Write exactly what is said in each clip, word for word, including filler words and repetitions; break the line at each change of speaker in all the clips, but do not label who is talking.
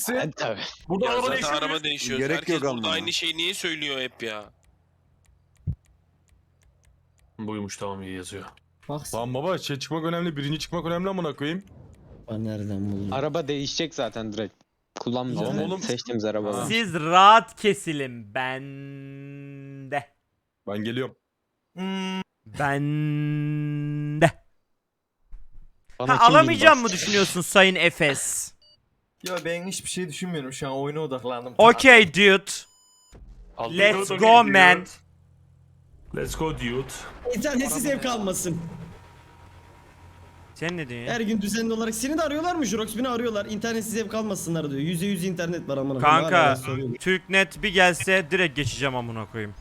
Evet, tabii.
Burada
Ya
araba
zaten
değişiyor.
araba değişiyor.
Gerek
Herkes
yok
burada
ama.
aynı şeyi niye söylüyor hep ya?
Buymuş, tamam, iyi yazıyor.
Bak
Lan baba şey çıkmak önemli, birinci çıkmak önemli amına koyayım.
sen nereden buldun?
Araba değişecek zaten direkt. Kullanmayacağız.
Tamam
yani.
oğlum.
Seçtiğimiz arabalar.
Siz rahat kesilin bende.
Ben geliyorum.
Bende.
Bana
Ha,
kim
alamayacağım
bin
mı düşünüyorsun Sayın Efes?
Ya ben hiçbir şey düşünmüyorum şu an, oyuna odaklandım.
Okay dude.
Aldım.
Let's
Dude,
go,
dude.
man.
Let's go dude.
İnternetsiz ev kalmasın.
Sen ne diyorsun ya?
Her gün düzenli olarak seni de arıyorlar mı Jurox? Beni arıyorlar. İnternetsiz ev kalmasınlar diyor. Yüzde yüz internet var amına koyayım.
Kanka
Hala soruyorum.
Türknet bir gelse direkt geçeceğim amına koyayım.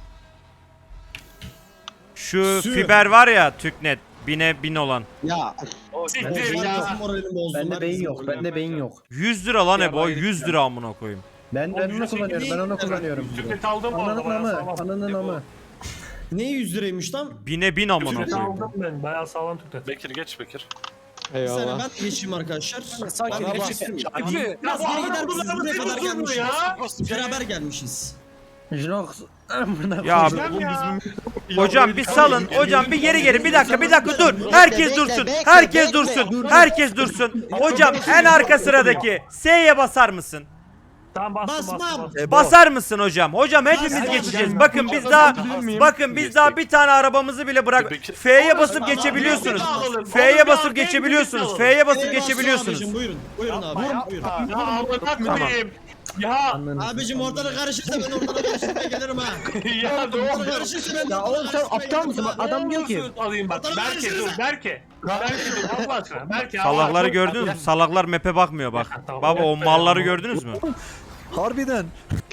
Şu
Sür.
fiber var ya Türknet bine bin olan.
Ya.
Siktir
Herkesin
ya.
moralini bozdum.
Bende beyin
Herkesin
yok.
moralini
Bende beyin yok.
yüz lira lan
Ya
Ebo,
bayılık
yüz lira amına koyayım.
Ben ben onu kullanıyorum. Ben onu kullanıyorum.
Tüknet aldım bu arada.
Ananın
Bayağı
amı.
sağlam.
Ananın amı.
Ne yüz liraymış lan?
Bine bin amına
Tüknet
koyayım.
aldım ben. Bayağı sağlam tüknet.
Bekir geç Bekir.
Bir saniye
Eyvallah.
ben de geçeyim arkadaşlar.
Sakin
Bana
geçeyim.
bak.
Ya
Biraz
bu
geri
arada
gider misiniz?
bunlar
Buraya kadar
nasıl
gelmişiz.
ya?
Beraber gelmişiz.
Jinox. Amına
Ya
Oğlum ya.
hocam bir salın, hocam bir geri geri bir dakika bir dakika dur. Herkes dursun, herkes dursun, herkes dursun. Hocam en arka sıradaki S'ye basar mısın?
Tamam, bastım
Basmam.
bastım.
Basar mısın hocam? Hocam hepimiz geçeceğiz. Bakın biz daha bakın biz daha bir tane arabamızı bile bırak. F'ye basıp geçebiliyorsunuz. F'ye basıp geçebiliyorsunuz. F'ye basıp
Eyvallah,
geçebiliyorsunuz.
abicim, Buyurun. Buyurun abi. Buyurun.
Ya amına koyayım. Ya
Abicim ortalık karışırsa ben ortalık karıştırmaya gelirim ha.
ya ne
Ortalık
oldu?
karışırsa ben
Ya oğlum sen
ortalık
aptal mısın?
karıştırmaya
Adam diyor ki.
gelirim
Alayım bak.
Ortalık
Berke dur
karışırsa-
Berke. Berke dur Allah aşkına. Berke.
Salakları gördünüz mü? Salaklar map'e bakmıyor bak. Baba o malları gördünüz mü?
Harbiden.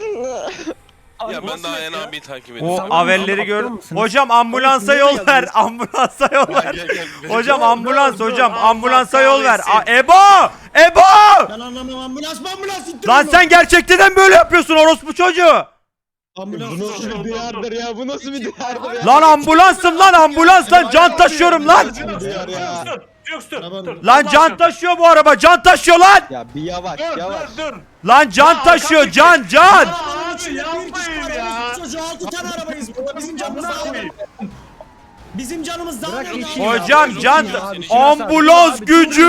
Ya ben daha Ayhan abiyi takip
O
ediyorum.
avelleri gördüm. Hocam ambulansa yol ver. Ambulansa yol ver.
Gel, gel, gel.
Hocam ambulans
dur,
hocam
Allah
ambulansa yol ver.
kahretsin.
A- Ebo! Ebo!
Ben anlamam, ambulans mı ambulans ittirin
Lan
mi?
sen gerçekten böyle yapıyorsun orospu çocuğu.
Ambulans
Bu nasıl bir diyardır ya? Bu nasıl bir diyardır ya?
Lan ambulansım lan ambulans lan can taşıyorum lan.
Diyar ya.
Dur, dur, dur, dur.
Lan can taşıyor bu araba can taşıyor lan.
Ya bir yavaş
Dur,
yavaş.
dur, dur.
Lan can taşıyor can can.
Abi
İçinde bir kişi
yapmayın
var,
ya.
orospu çocuğu altı tane arabayız burada. Bizim canımız daha
Yapmayın.
Bizim canımız daha
Bırak
ne
geçeyim
daha-
Hocam
Ya,
can
ya.
ambulans gücü.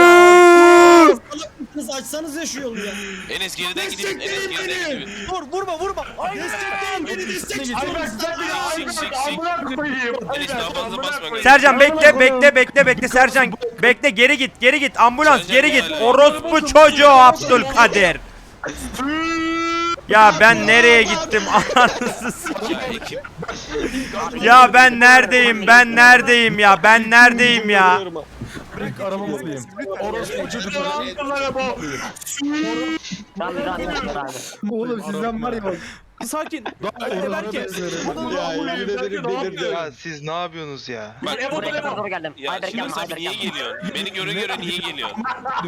Salak mısınız? Açsanız ya şu yolu ya.
Enes geriden gidin. Enes geriden gidin.
Vur vurma vurma.
Destekleyin beni destekleyin.
Ay bak sen bir ay bak amına koyayım.
Enes daha fazla basma.
Sercan bekle bekle bekle bekle Sercan bekle geri git geri git ambulans
Sercan
geri git
hala-
orospu çocuğu Abdülkadir. Ya ben nereye gittim anasını s-
Ya ekip.
Ya ben neredeyim ben neredeyim ya ben neredeyim ya.
İlk arabamı diyeyim. Orospu çocukları.
Oğlum sizden var ya bak.
Sakin.
Daha
Berke.
Ya yemin ederim delirdi.
Ya siz ne yapıyorsunuz ya?
Bak
Ebo
buraya
Ebo.
doğru geldim. Ya şimdi sen niye geliyorsun? Beni göre göre niye geliyorsun?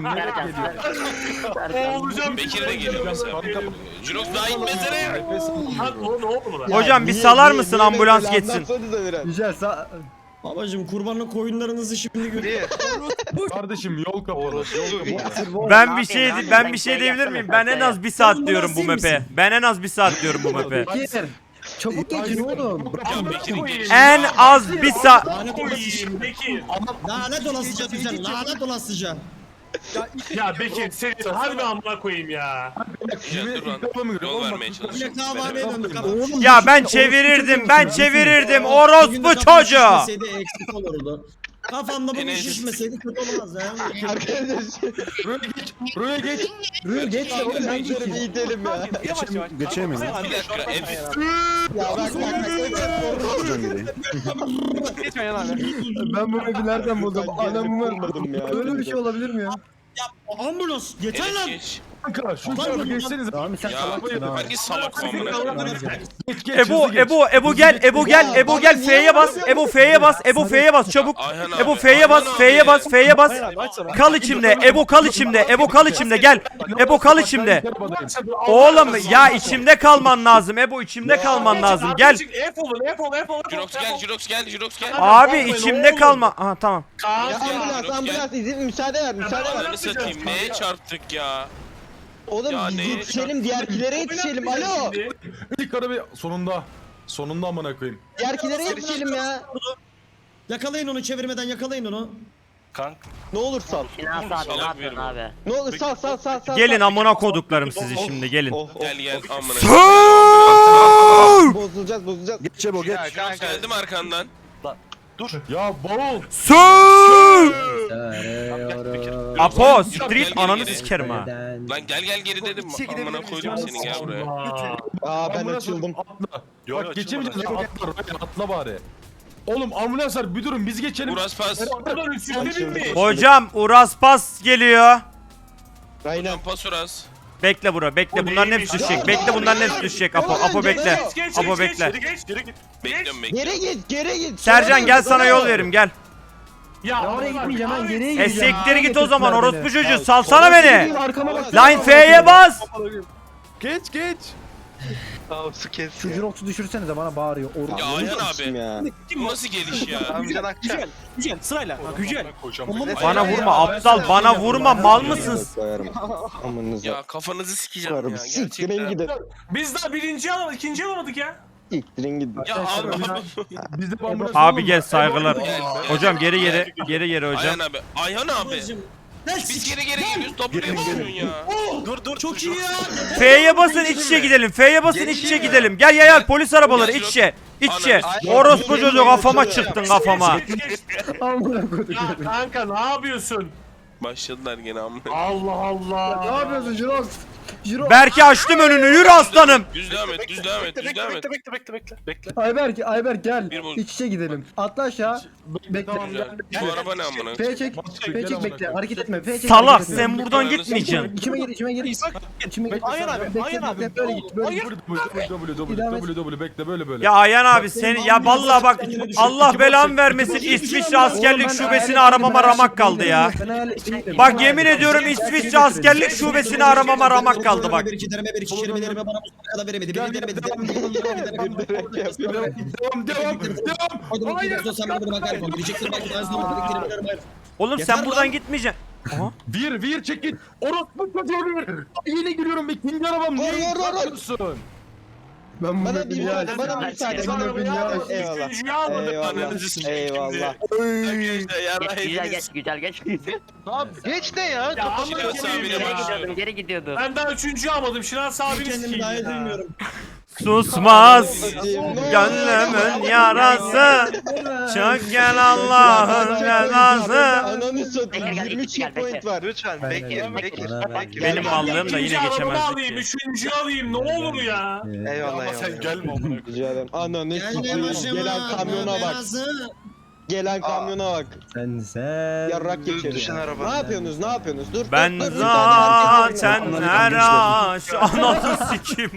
Olacağım.
Bekir de geliyor mesela. Jurox daha inmesene.
Lan o ne oldu lan?
Hocam bir salar mısın ambulans geçsin.
Anlatsanıza biraz.
Güzel sağ.
Babacım kurbanlık koyunlarınızı şimdi görüyorum.
Kardeşim yol kapalı.
Orospu bir.
Ben bir şey ben bir şey diyebilir miyim? Ben en az bir saat diyorum bu map'e. Ben en az bir saat diyorum bu map'e.
Bekir. Çabuk geçin oğlum.
Ya Bekir'in gelişi.
En az bir saat.
Lanet olasıca.
Koyayım Bekir.
Lanet olasıca güzel. Lanet olasıca.
Ya Bekir seni harbi amına koyayım ya.
Ya dur lan. Yol vermeye çalışıyorum.
Yine kahvaneye döndük ama.
Ya ben çevirirdim ben çevirirdim orospu çocuğu.
Şişmeseydi eksik olurdu. Kafamda bu
Enes.
şişmeseydi kötü olmaz ya.
Buraya geç. Buraya geç.
Rüya geç de oğlum ben
Şöyle bir
geçeyim.
itelim ya.
Yavaş yavaş.
Geçemiyorum.
Bir dakika. Enes.
Ya bak bak bak.
Buradan gideyim.
Geçme yan abi.
Ben bu map'i nereden buldum? Anamı
Vurmadım ya.
Böyle bir şey olabilir mi ya?
Ambulans yeter
Enes
lan.
geç.
Kanka şu tarafa geçsenize.
Tamam sen
Ya
salaksın ha.
hangi salak amına?
Geç geç.
Ebo
hızlı geç.
Ebo Ebo gel Ebo gel Ebo gel F'ye bas Ebo F'ye bas Ebo F'ye bas çabuk.
Ayhan abi,
Ebo F'ye bas
Ayhan
F'ye
abi.
bas F'ye bas.
Aç sana.
Kal içimde Ebo kal içimde Ebo kal içimde gel. Ebo kal içimde. Oğlum ya içimde kalman lazım Ebo içimde kalman lazım gel.
F olun F olun F olun.
Jurox gel, Jurox gel, Jurox gel.
Abi içimde kalma. Aha tamam.
Ya
Kaan
ambulans ambulans izin müsaade ver müsaade ver.
Ananı satayım neye çarptık ya?
Oğlum
Ya
biz
neye
yetişelim diğerkilere yetişelim. Alo.
İlk arabayı sonunda. Sonunda amına koyayım.
Diğerkilere yetişelim ya.
Yakalayın onu çevirmeden yakalayın onu.
Kank.
Ne olur sal.
Finans abi ne yapıyorsun abi?
Ne olur sal sal sal sal.
Gelin amına koduklarım sizi şimdi gelin.
Oh, oh.
Gel gel amına.
Bozulacağız bozulacağız.
Geç çabuk geç.
Ya kanka.
Geldim arkandan.
Ya bavul.
Su! Apo, street
Gel,
ananı
gel, gel.
sikerim ha.
Lan gel gel geri dedim. Amına koydum seni gel buraya.
Aa ben
Ambulans
açıldım.
Atla. Bak geçemeyeceğiz. Atla, atla bari. Oğlum ambulanslar bir durun biz geçelim.
Uras pas.
Buradan üstünde binmiş.
Hocam Uras Pas geliyor.
Aynen.
Pas Uras.
Bekle bura bekle bunların hepsi düşecek. Bekle bunların hepsi düşecek Apo. Apo bekle.
Geç geç
Apo
geç
bekle.
geç. Geç geri git.
Bekliyorum bekliyorum.
Geri git geri git.
Sercan gel sana yol verim gel.
Ya
Oraya gitmeyeceğim ben geriye
E
gideceğim.
siktir git o zaman
Getirdiler
orospu
beni.
çocuğu salsana beni.
Arkama bak.
Line F'ye bas.
Geç geç.
Tamam su kes.
Şu Jirox'u düşürsenize bana bağırıyor. Or
Ya Ayhan abi.
Ya.
Bu nasıl geliş ya?
Amcan Akça.
Güzel sırayla. Güzel.
Bana vurma aptal bana vurma mal mısın?
Koyarım. Amanınıza.
Ya kafanızı sikeceğim
Koyarım.
ya.
Siktirin
Gerçekten.
gidin.
Biz daha birinci alamadık, ikinci alamadık ya.
Siktirin gidin.
Ya abi abi.
Biz de ambulans
Abi gel saygılar.
Gel, gel.
Hocam geri geri geri geri hocam.
Ayhan abi. Ayhan abi. Biz geri geri geliyoruz. W yapıyorsun ya.
Dur dur. Çok iyi ya.
F'ye basın iç içe gidelim. F'ye basın iç içe gidelim. Gel gel gel polis arabaları iç içe. İç içe. Orospu çocuğu kafama çıktın kafama.
Geç, geç, geç.
Amına koyduk.
Ya kanka ne yapıyorsun?
Başladılar gene amına.
Allah Allah.
Ne yapıyorsun Jirox? Jirox.
Berke açtım önünü yürü aslanım.
Düz devam et, düz devam et, düz devam et.
bekle bekle bekle bekle.
Ayberk, Ayberk gel.
Bir bu-
İç içe gidelim. Atla aşağı. Bekle.
Tamam gel.
Bu araba ne amına?
P çek. P çek bekle. Hareket etme. P çek.
Salak
hareket etme.
sen buradan gitmeyeceksin.
İçime gir, içime gir. İçime gir.
Ayhan
abi, Ayhan abi. Böyle git, böyle git.
W W W W bekle böyle böyle.
Ya Ayhan abi seni ya vallahi bak Allah belamı vermesin İsviçre askerlik şubesini aramama ramak kaldı ya.
Ben hayalet-
Bak yemin ediyorum İsviçre askerlik şubesini aramama ramak kaldı bak.
Bir iki derime bir iki kelimelerime bana bu kadar veremedi. Bir veremedi.
Devam devam devam.
Hadi bakayım sen bana bakar mısın? Diyeceksin belki ben sana bu kelimelerime ayır.
Oğlum
Yeter
sen buradan
lan.
gitmeyeceksin. Aha.
Bir bir çek git. Orospu çocuğu bir. Yine giriyorum ikinci arabam.
Vur,
Niye
vur, vur, vur.
yapıyorsun?
Ben
Bana
bunu
bir
biliyorum.
bana müsaade.
Sonra
Bana bir
bir aldık,
müsaade. Eyvallah.
üçüncüyü almadık.
Eyvallah.
Ananızı sikeyim şimdi.
Eyvallah.
Arkadaşlar yarrağı
Geç, güzel
yediniz.
geç güzel geç.
Geç ne ya?
Ya ama
Şinas
geri
abine
gidiyordum.
başlıyorum.
Geri gidiyordum.
Ben daha üçüncüyü almadım. Şinas abini
Kendimi
sikeyim
daha iyi
ya.
duymuyorum.
Susmaz gönlümün yarası. Çok gel Allah'ın cezası.
Ananı satayım.
Gel, gel,
yirmi
gel,
checkpoint
bekle.
var.
Lütfen
Ben-
bekle
ben-
bekle.
ben-
bekle.
Benim mallığım da yine
İkinci arabamı
geçemezdik
alayım,
ki.
üçüncüyü alayım. Ne olur ya.
Eyvallah eyvallah.
gelme amına.
Rica ederim. Ananı
Gelme
sikeyim.
başıma.
Gelen kamyona bak.
belası.
Gelen kamyona bak.
Sen sen.
Yarrak geçelim.
Düşün araba.
Ne yapıyorsunuz? Ne yapıyorsunuz? Dur.
Ben
dur, dur, bir tane
zaten her aş anasını sikeyim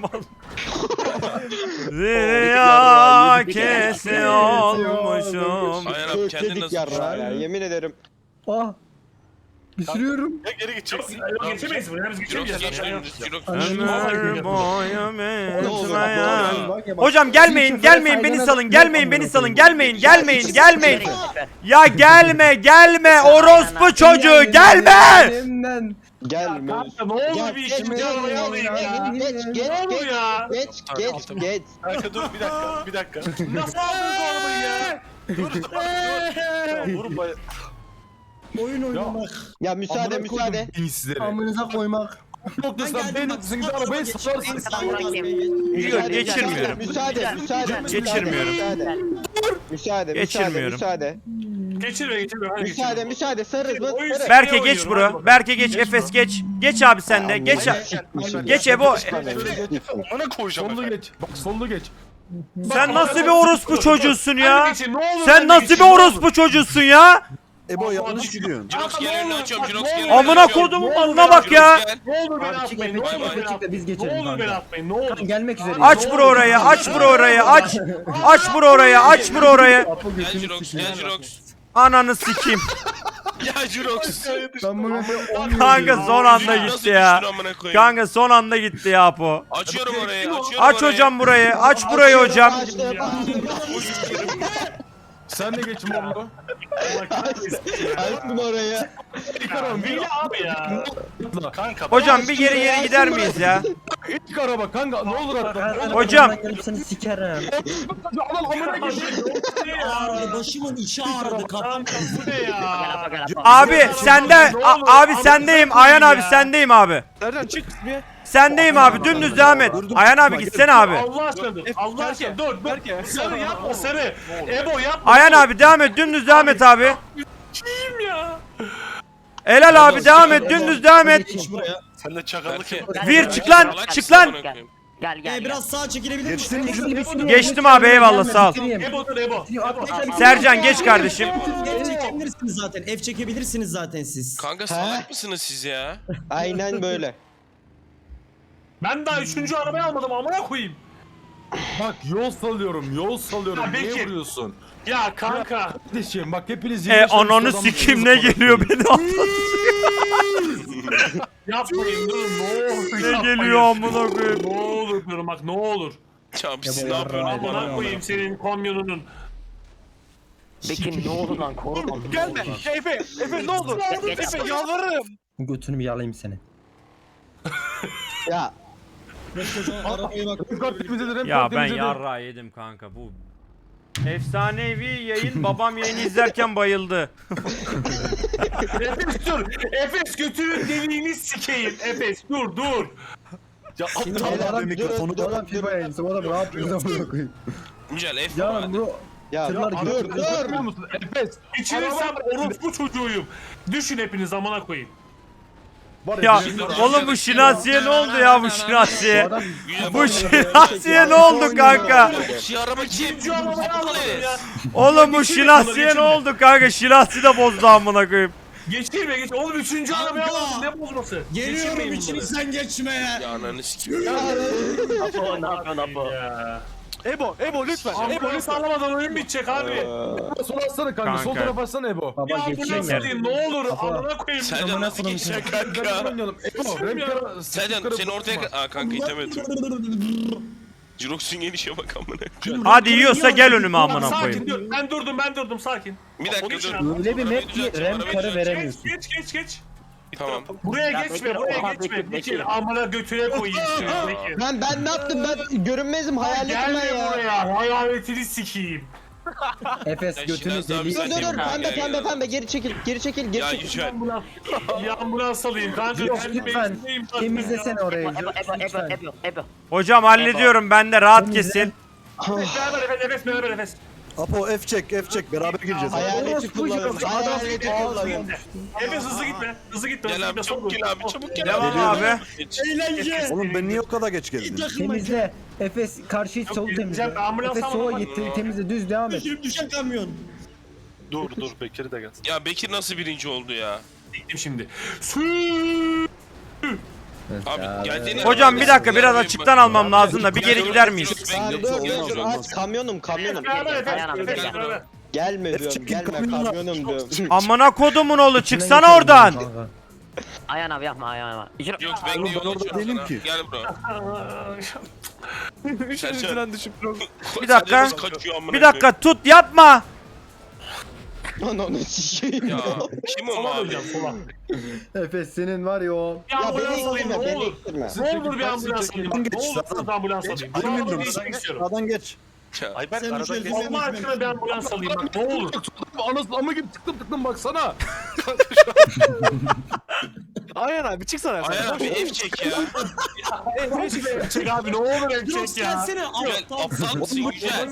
Zirya kesi olmuşum.
Ayhan abi kendin
Kökledik
nasıl
yarrağı ya. Yemin ederim.
Ah. Düşürüyorum.
Geri gideceksin.
Yok, geçemeyiz bunu. Biz
Jirox
geçemeyeceğiz.
geç
Ya.
önünüz. Jirox.
Ömür boyu
Ne
bitmeyen. Hocam gelmeyin gelmeyin beni salın gelmeyin beni salın gelmeyin gelmeyin gelmeyin. Ya gelme gelme orospu çocuğu gelme.
Elimden.
Gelme.
Kanka ne olur
Gel,
bir
geç,
ikinci
geç,
arabayı
geç,
alayım ya.
geç, geç,
Ne olur
geç,
ya.
geç, geç, geç.
Kanka dur bir dakika bir dakika.
Nasıl aldınız o arabayı ya?
Vurma.
Oyun oynamak.
Ya müsaade, müsaade.
İnsizleri.
Amınıza koymak.
Noktasından B noktasına arabayı salarsın.
Yok geçirmiyorum.
Müsaade, müsaade.
Geçirmiyorum.
Müsaade, müsaade,
Geçirmiyorum.
müsaade.
Geçirme geçirme. Hadi
Müsaade,
geçirme.
müsaade. Sarız mı?
Oyun-
Sarız.
Berke geç bro. Berke geç Efes geç. Geç abi sen de. Geç. Geç Ebo.
Ona koyacağım.
Sollu geç. Bak sollu geç.
Sen nasıl bir orospu çocuğusun ya?
Hadi geçin, ne olur
Sen
hadi
nasıl
geçin,
bir
ne olur.
orospu çocuğusun ya?
Ebo
yanlış
gidiyorsun.
Jirox
Kanka,
gel
ne
önünü
olur,
açıyorum.
bak,
Jirox
ne
gel.
olur.
önünü
Amına
açıyorum.
kodumun malına bak ya.
Jirox gel.
Ne olur beni
Çık
atmayın.
Efe
Ne
çık
olur
Efe
beni
çık da biz
atmayın.
geçelim
Ne olur beni
kanka.
atmayın. Ne olur.
Gelmek üzere.
Aç bro orayı. Aç bro orayı. Aç. Aç bro orayı. Aç bro orayı.
Gel Jirox gel Jirox.
Ananı sikeyim.
Ya Jirox.
Ben bunu
Kanka son anda
Nasıl
gitti ya.
düştün amına koyayım?
Kanka son anda gitti ya Apo.
Açıyorum orayı açıyorum
Aç
orayı.
hocam burayı. Aç burayı hocam.
Sen de geç Morlo.
Açtım oraya.
Villa abi ya.
Kanka.
Hocam bir geri geri gider miyiz ya?
İlk araba kanka ne olur atla.
Hocam.
Gelip seni sikerim.
Adam amına koyayım.
Ağrıdı, başımın içi ağrıdı. Kafam
Kanka bu ne ya?
Abi sende a- abi sendeyim. Ayhan abi sendeyim abi.
Nereden çık?
Sendeyim abi. Dümdüz devam et. Ayhan abi gitsene abi.
Allah aşkına dur. Allah aşkına dur. dur. Sarı yapma sarı. Ebo yapma.
Ayhan abi devam et. Dümdüz devam et abi.
Kim ya?
Helal abi devam et. Dümdüz devam et.
geç buraya.
Sen de çakallık yap.
Vir çık lan. Çık lan.
Gel gel.
Ee, biraz sağa çekilebilir misin?
Geçtim abi eyvallah sağ ol.
Ebo dur Ebo.
Sercan geç kardeşim.
F çekebilirsiniz zaten. F çekebilirsiniz zaten siz.
Kanka salak mısınız siz ya?
Aynen böyle.
Ben daha üçüncü arabayı almadım amına koyayım.
Bak yol salıyorum yol salıyorum.
Ya
Niye
Bekir.
vuruyorsun?
Ya kanka.
Kardeşim bak hepiniz
E ananı sikim ne geliyor beni
Yapmayın durun ne olur.
Ne
yapmayın.
geliyor amına koyayım.
Ne olur diyorum bak ne olur.
Abi siz ne yapıyorsunuz?
Amına koyayım senin komyonunun.
Bekir ne oldu lan koruma.
Gelme. Efe. Efe ne oldu? Efe yalvarırım.
Götünü bir yalayayım seni.
Ya
Arabaya bak.
Ya ben yarra yedim kanka bu. Efsanevi yayın babam yayını izlerken bayıldı.
Efes dur. Efes götürün deliğini sikeyim. Efes dur dur.
Ya
Beyler,
Mikrofonu
durun,
da
durun,
FIFA yayıncısı. O da ne yapıyorsun amına koyayım.
Güzel F
Ya
var.
bu
ya
Tırlar
dur
gidiyor.
dur.
Görmüyor musun? Efes.
İçinirsem orospu çocuğuyum. Düşün hepiniz amına koyayım.
Var
Ya
bizim-
oğlum bu şinasiye ne oldu ya bu şinasiye?
adam
Güzel.
Bu şinasiye ne oldu kanka?
Şu araba kim?
İkinci arabayı almadım ya.
Oğlum bu şinasiye ne oldu kanka? Şinasi de bozdu amına koyayım.
Geçirme geç. Oğlum üçüncü arabayı almadım. Ne bozması?
Geliyorum
Geçirmeyin bunları.
içinizden geçmeye.
Ya ananı sikeyim.
Apo ne yapıyorsun Apo?
Ya.
Ebo. Ebo lütfen. Ebo
Ambulans
lütfen.
alamadan oyun bitecek abi.
Sol atsana kanka. Sol
Kanka.
tarafa atsana Ebo.
baba
Ya
geçeyim
ambulans
ya.
alayım ne olur.
Kafa.
Amına koyayım.
Sercan nasıl geçeceksin
Kanka.
kanka?
Oynayalım. Ebo.
Geçeyim
Rem
ya.
kara.
Sercan seni ortaya... Aa kanka itemedim. Jirox'un gelişe bak amına koyayım.
Hadi yiyorsa gel önüme amına
Sakin
koyayım.
dur. Ben durdum ben durdum sakin.
Bir dakika dur.
Öyle bir map ki
Düzelteceğim,
rem
arabayı
karı
düzelteceğim.
veremiyorsun.
Geç geç geç.
Tamam.
Buraya
Ya
geçme
Bekir,
buraya
oha,
geçme.
Bekir,
Bekir
Bekir.
amına götüne koyayım seni Bekir.
Ben ben ne yaptım ben görünmezim hayaletim ben
Gelme
ya.
buraya hayaletini sikeyim.
Efes
Ya
götünü
Şinasi abi
deli.
Dur
sen-
dur dur
Ha,
pembe
gel,
pembe
gel.
pembe geri çekil geri çekil geri
Ya
çekil.
Yücel.
Ambulans. Ya ambulans alayım kanka.
Yok
kendi
lütfen
benzinliyim zaten
temizlesene
ya.
orayı.
Ebo Ebo Ebo
Lütfen.
Ebo Ebo.
Hocam hallediyorum ben de rahat kesin.
Beraber nefes nefes beraber nefes.
Apo F çek F çek beraber gireceğiz.
Hayaleti kullanıyorum. Hayaleti kullanıyorum.
Nefes hızlı gitme. Hızlı gitme.
Gel
hızlı
abi
gitme,
çabuk
sol
gel abi çabuk gel
Devam
abi.
abi.
Geç.
Eğlence.
Oğlum ben niye o kadar geç geldim? Temizle. Efes karşıyı sol
Yok,
temizle.
ben ambulans
Efes sola
almadım.
git temizle düz devam et.
Düşün düşen kamyon.
Dur dur Bekir'i de gel.
Ya Bekir nasıl birinci oldu ya?
Gittim şimdi.
Abi geldiğine...
Hocam bir dakika biraz açıktan almam lazım da bir geri gider miyiz?
Aa, dur dur dur aç kamyonum kamyonum.
Beraber nefes.
Ayağına
nefes,
gel.
beraber.
Gelme diyorum gelme kamyonum diyorum.
Amına kodumun oğlu çıksana oradan.
Ayağın abi yapma ayağın abi. İçin-
Yok ben de yol açıyorum sana. Gel bro. Sercan.
Bir dakika.
Sercan nasıl kaçıyor amına
Bir dakika tut yapma.
Ananı sikeyim
koyayım?
ya.
Ya kim o
Sola
abi?
döneceğim sola.
Efes senin var ya o.
Bir
Ya
ambulans
beni
alayım
ittirme
ne
beni
olur.
ittirme.
Ne olur bir ambulans alayım. bak, Ne olur bir ambulans alayım. Bu arabayı değiştirmek istiyorum.
Sağdan geç.
Ya,
Ayberk
Sen
aradan
şöyle-
geç.
Allah aşkına bir ambulans alayım bak ne olur.
Anasını ama gibi tıktım tıktım baksana.
Ayhan abi çıksana.
Ayhan abi F çek ya.
Çek abi ne olur ev
Yok
çek ya.
gelsene
Güzel
aptal.
aptal mısın Yücel?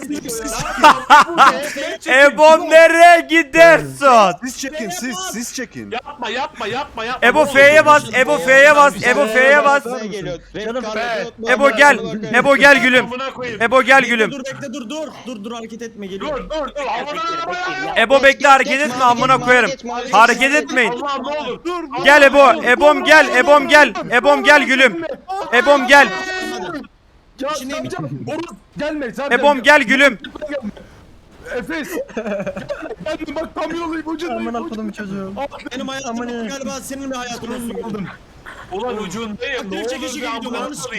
Ebom nereye gidersin?
Siz çekin siz siz çekin.
Yapma yapma yapma yapma.
Ebo
Ne olur.
F'ye bas, Ebo F'ye bas, Ebo F'ye bas.
Ne geliyor?
Canım
Ebo gel, Ebo gel gülüm.
Amına koyayım.
Ebo gel
Bekle,
gülüm.
Dur bekle dur dur. Dur dur hareket etme geliyor.
Dur dur dur. Havadan arabaya.
Ebo bekle hareket etme amına koyarım. Hareket etmeyin.
Allah'ım ne olur. Dur.
Gel Ebo, Ebom gel, Ebom gel. Ebom gel gülüm. Ebom gel.
Ya Sercan Oruz gelme Sercan.
Ebom gel gülüm.
Efes. Gelme bak tam yolayım ucundayım.
Amına kodum çocuğum.
Benim hayatım
Aman ya.
galiba senin bir hayatın olsun.
Ulan ucundayım. Ne
Bir
olur
çekişi
bir
gidiyor,
ambulans
yalnız.
alayım.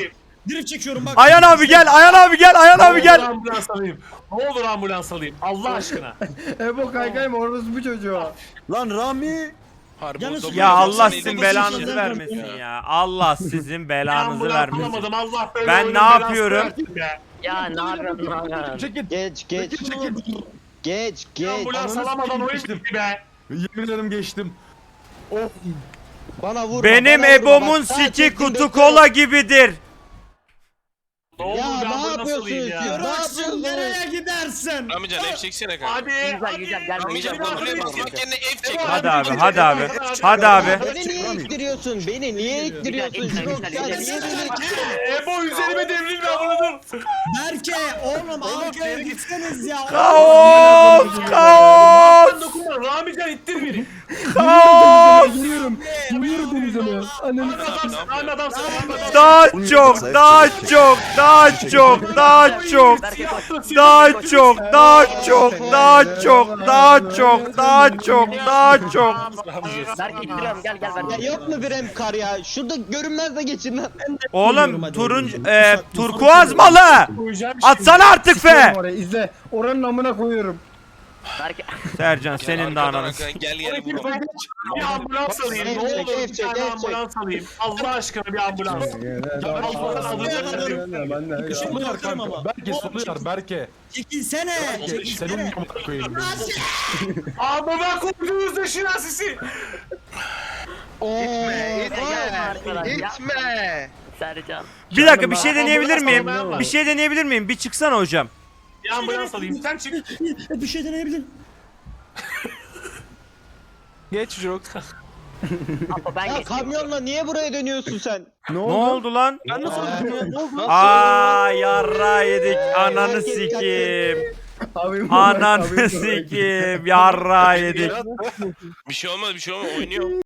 Drift çekiyorum bak.
Ayhan abi gel, Ayhan abi gel, Ayhan abi
Ne olur
gel.
ambulans alayım. Ne olur ambulans alayım. Allah aşkına.
Ebo kaykay mı orası bu çocuğa?
Lan Rami.
Harbi
Yalnız-
o da
Ya
bu-
Allah
Sen
sizin
neydi?
belanızı
Ya.
vermesin ya. Allah sizin belanızı
Ambulans
vermesin.
alamadım. Allah böyle
Ben
oyunun
ne
belasını
yapıyorum?
versin be.
Ya ne yapıyorsun ne yapıyorsun?
Çekil.
Geç geç. Geç geç.
Ambulans alamadan oyun bitti be.
Yemin ederim geçtim. Of.
Bana vurma.
Benim
bana vurma.
Ebo'mun
Bak, sağ
siki
çektim,
kutu
bekliyorum.
kola gibidir.
Ne olur
Ya
bir
ne
ambulans
yapıyorsun
alayım ya.
ya?
Jirox'un nereye gidersin?
Ramican F çeksene kanka.
Hadi.
Güzel güzel gel.
Ramican
Hadi.
buraya basmak yerine F çek.
Hadi abi, hadi abi. Hadi abi.
Beni niye ittiriyorsun? Beni niye ittiriyorsun?
Güzel, güzel,
Jirox
güzel,
ya
güzel.
niye beni ittiriyorsun?
Ebo üzerime devrilme bunu.
Berke oğlum arkaya gitseniz ya.
Kaos! Kaos!
Ben dokunma. Ramican ittir beni.
Kaos!
Giriyorum. Giriyorum denize mi? Ananı
Aynı adamsın. Aynı adamsın. Aynı adamsın.
Daha çok, daha çok, daha çok, daha çok.
Berke koş.
Daha çok, daha çok, daha çok, daha çok, daha çok, daha çok.
Berke ittiriyorum gel gel
Ya
Berke.
yok mu bir em kar ya? Şurada görünmez de geçin lan.
Oğlum turuncu, e, turkuaz malı.
Koyacağım şimdi.
Atsana artık fe.
oraya izle. Oranın amına koyuyorum.
Berke.
Sercan senin de
Arkadan
ananı.
arkadan Gel gel
Bir
vur.
ambulans alayım. Ne
F çek,
olur
F
bir
çek,
tane
F çek.
ambulans alayım. Allah aşkına bir ambulans.
Solu yakarım ama.
Berke solu yar Berke.
Çekilsene.
Senin
Çekilsene.
amına koyayım.
Amına koyduğunuz da şinasisi.
Gitme. Sercan.
Bir dakika bir şey deneyebilir miyim? Bir şey deneyebilir miyim? Bir çıksana hocam.
Bir ambulans alayım. Sen çık.
Bir şey deneyebilir.
Geç Jirox.
Apo ben
Ya
geçtim.
kamyonla niye buraya dönüyorsun sen?
Ne oldu lan?
Ben nasıl öldüm ya? Ne oldu?
Aa yarra yedik. Ananı sikeyim.
Abim
Ananı sikeyim. Yarra yedik.
Bir şey olmadı bir şey olmadı oynuyor.